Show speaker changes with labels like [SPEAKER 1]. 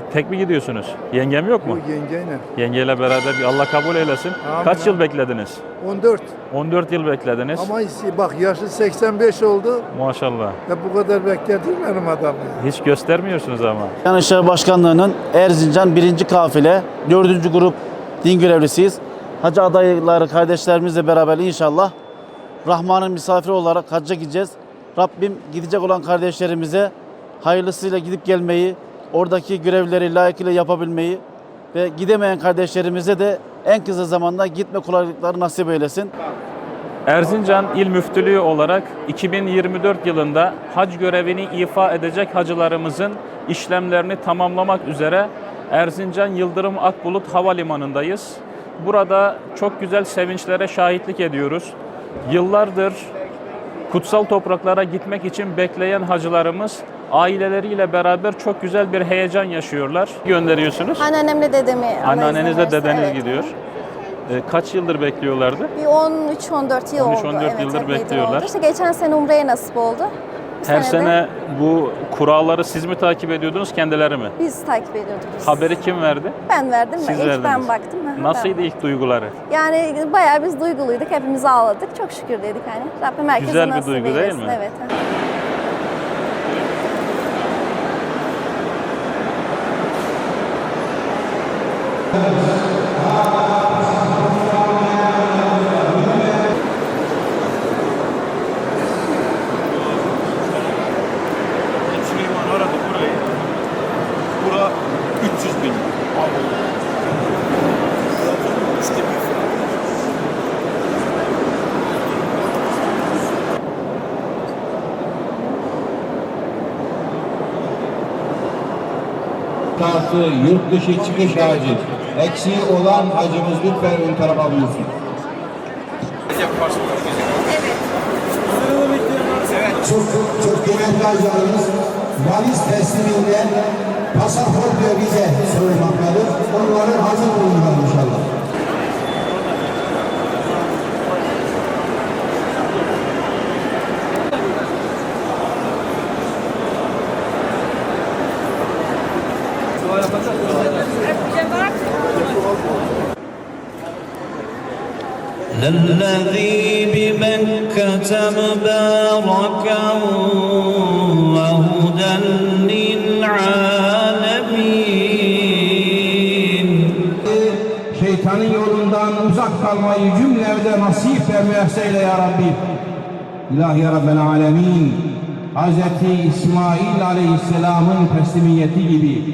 [SPEAKER 1] Tek mi gidiyorsunuz? Yengem yok mu?
[SPEAKER 2] Bu yengeyle.
[SPEAKER 1] Yengeyle beraber Allah kabul eylesin.
[SPEAKER 2] Amin.
[SPEAKER 1] Kaç yıl beklediniz?
[SPEAKER 2] 14.
[SPEAKER 1] 14 yıl beklediniz.
[SPEAKER 2] Ama bak yaşı 85 oldu.
[SPEAKER 1] Maşallah.
[SPEAKER 2] Ya bu kadar bekledim benim adamı.
[SPEAKER 1] Hiç göstermiyorsunuz ama.
[SPEAKER 3] Diyanet İşleri Başkanlığı'nın Erzincan 1. kafile 4. grup din görevlisiyiz. Hacı adayları kardeşlerimizle beraber inşallah Rahman'ın misafiri olarak hacca gideceğiz. Rabbim gidecek olan kardeşlerimize hayırlısıyla gidip gelmeyi, oradaki görevleri layıkıyla yapabilmeyi ve gidemeyen kardeşlerimize de en kısa zamanda gitme kolaylıkları nasip eylesin.
[SPEAKER 1] Erzincan İl Müftülüğü olarak 2024 yılında hac görevini ifa edecek hacılarımızın işlemlerini tamamlamak üzere Erzincan Yıldırım Akbulut Havalimanı'ndayız. Burada çok güzel sevinçlere şahitlik ediyoruz. Yıllardır kutsal topraklara gitmek için bekleyen hacılarımız aileleriyle beraber çok güzel bir heyecan yaşıyorlar. Gönderiyorsunuz.
[SPEAKER 4] Anneannemle dedemi.
[SPEAKER 1] Anneannenizle dedeniz
[SPEAKER 4] evet.
[SPEAKER 1] gidiyor. Kaç yıldır bekliyorlardı?
[SPEAKER 4] Bir 13-14 yıl oldu.
[SPEAKER 1] 13-14
[SPEAKER 4] Evet,
[SPEAKER 1] yıldır
[SPEAKER 4] epeydir
[SPEAKER 1] bekliyorlar.
[SPEAKER 4] oldu. İşte geçen sene Umre'ye nasip oldu. Bu
[SPEAKER 1] Her
[SPEAKER 4] de
[SPEAKER 1] sene bu kuralları siz mi takip ediyordunuz, kendileri mi?
[SPEAKER 4] biz takip ediyorduk.
[SPEAKER 1] Haberi kim verdi?
[SPEAKER 4] Ben verdim.
[SPEAKER 1] Siz
[SPEAKER 4] İlk
[SPEAKER 1] verdiniz.
[SPEAKER 4] ben baktım. Aha,
[SPEAKER 1] Nasıldı
[SPEAKER 4] ben.
[SPEAKER 1] ilk duyguları?
[SPEAKER 4] Yani bayağı biz duyguluyduk. Hepimiz ağladık. Çok şükür dedik hani. Rabbim herkese
[SPEAKER 1] Güzel bir
[SPEAKER 4] nasip
[SPEAKER 1] duygu değil
[SPEAKER 4] eylesin.
[SPEAKER 1] mi?
[SPEAKER 4] Evet. aha.
[SPEAKER 5] Süleyman aradı burayı. Bura 300 bin.
[SPEAKER 6] Kartı, yurt dışı çıkış hacı. Eksiği olan hacımız lütfen ön tarafa buyursun. Çok kıymetli hacılarımız valiz tesliminde pasaport ve vize sorulmaktadır. Onların hazır bulunmalı inşallah.
[SPEAKER 7] الذي بمكة مباركا وهدى للعالمين.
[SPEAKER 6] Şeytanın yolundan uzak kalmayı cümlemize nasip ve müyesser eyle ya Rabbi. İlahi ya Rabbel Alemin. Hz. İsmail Aleyhisselam'ın teslimiyeti gibi